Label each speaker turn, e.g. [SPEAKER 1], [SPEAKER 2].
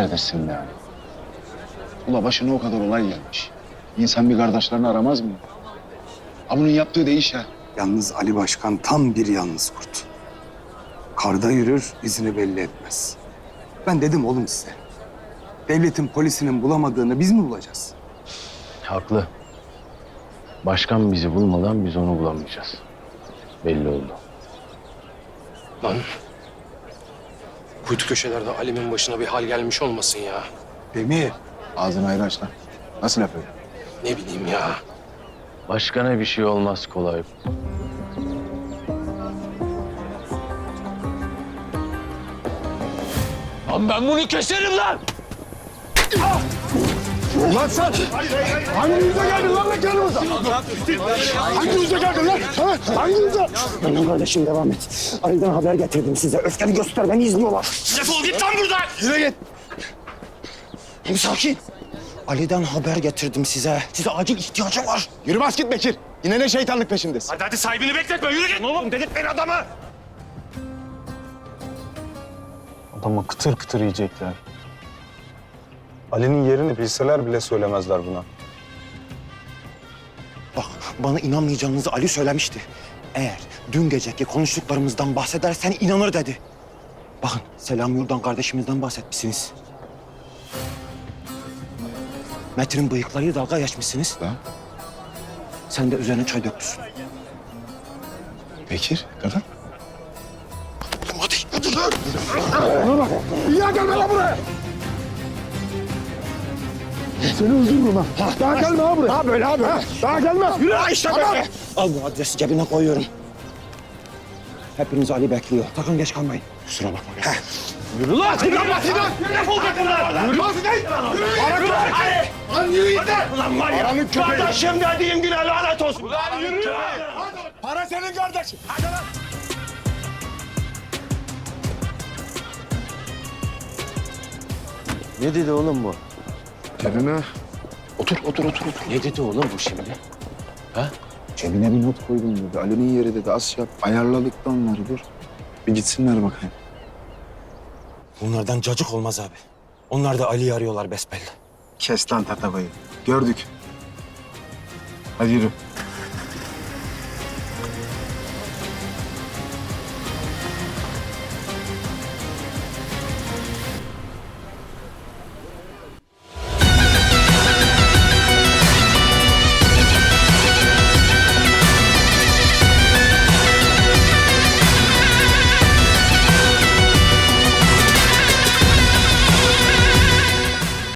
[SPEAKER 1] Neredesin be Ali? Ula başına o kadar olay gelmiş. İnsan bir kardeşlerini aramaz mı? Ha bunun yaptığı değiş ha.
[SPEAKER 2] Yalnız Ali Başkan tam bir yalnız kurt. Karda yürür, izini belli etmez. Ben dedim oğlum size. Devletin polisinin bulamadığını biz mi bulacağız?
[SPEAKER 1] Haklı. Başkan bizi bulmadan biz onu bulamayacağız. Belli oldu.
[SPEAKER 3] Lan. Kuytu köşelerde Alim'in başına bir hal gelmiş olmasın ya.
[SPEAKER 2] Demir.
[SPEAKER 1] Ağzını ayrı aç lan. Nasıl laf öyle?
[SPEAKER 3] Ne bileyim ya.
[SPEAKER 1] Başkana bir şey olmaz kolay.
[SPEAKER 3] Lan ben bunu keserim lan!
[SPEAKER 4] Lan sen! Hangi yüze geldin lan mekanımıza? Hangi yüze geldin lan? Ha? Hangi yüze?
[SPEAKER 5] Benim kardeşim devam et. Ali'den haber getirdim size. Öfkeni göster, beni izliyorlar.
[SPEAKER 3] Defol git lan buradan!
[SPEAKER 4] Yine git.
[SPEAKER 5] Sakin. Ali'den haber getirdim size. Size acil ihtiyacım var.
[SPEAKER 4] Yürü bas git Bekir. Yine ne şeytanlık peşindesin?
[SPEAKER 3] Hadi sahibini bekletme yürü git! Oğlum delirtmeyin adamı!
[SPEAKER 6] Adamı kıtır kıtır yiyecekler. Ali'nin yerini bilseler bile söylemezler buna.
[SPEAKER 5] Bak, bana inanmayacağınızı Ali söylemişti. Eğer dün geceki konuştuklarımızdan bahsedersen inanır dedi. Bakın, Selam Yurdan kardeşimizden bahsetmişsiniz. Metin'in bıyıklarıyla dalga geçmişsiniz.
[SPEAKER 1] Lan.
[SPEAKER 5] Sen de üzerine çay dökmüşsün.
[SPEAKER 1] Bekir, kadın.
[SPEAKER 4] Ya gelme lan buraya. Seni öldürürüm ha. Daha gelme ha buraya.
[SPEAKER 5] Ha böyle abi.
[SPEAKER 4] Daha gelme. Yürü.
[SPEAKER 5] İşte böyle. Al bu adresi cebine koyuyorum. Hepiniz Ali bekliyor. Sakın geç kalmayın. Kusura bakma.
[SPEAKER 4] Yürü lan. Sinan bak Sinan.
[SPEAKER 3] Defol git lan!
[SPEAKER 4] Yürü lan Sinan. Yürü lan. Lan yürü git lan.
[SPEAKER 3] Ulan var ya!
[SPEAKER 4] Paranın köpeği.
[SPEAKER 3] Kardeşim dediğim güne lanet olsun!
[SPEAKER 4] Lan yürü. Para senin kardeşin. Hadi lan.
[SPEAKER 1] Ne dedi oğlum bu?
[SPEAKER 4] Cebime.
[SPEAKER 1] Otur.
[SPEAKER 3] Ne dedi oğlum bu şimdi?
[SPEAKER 1] Cebine bir not koydum dedi. Ali'nin yeri dedi. Az yap. Ayarladık da onları dur. Bir gitsinler bakayım.
[SPEAKER 5] Bunlardan cacık olmaz abi. Onlar da Ali'yi arıyorlar besbelli.
[SPEAKER 1] Kes lan tatavayı. Gördük. Hadi yürü.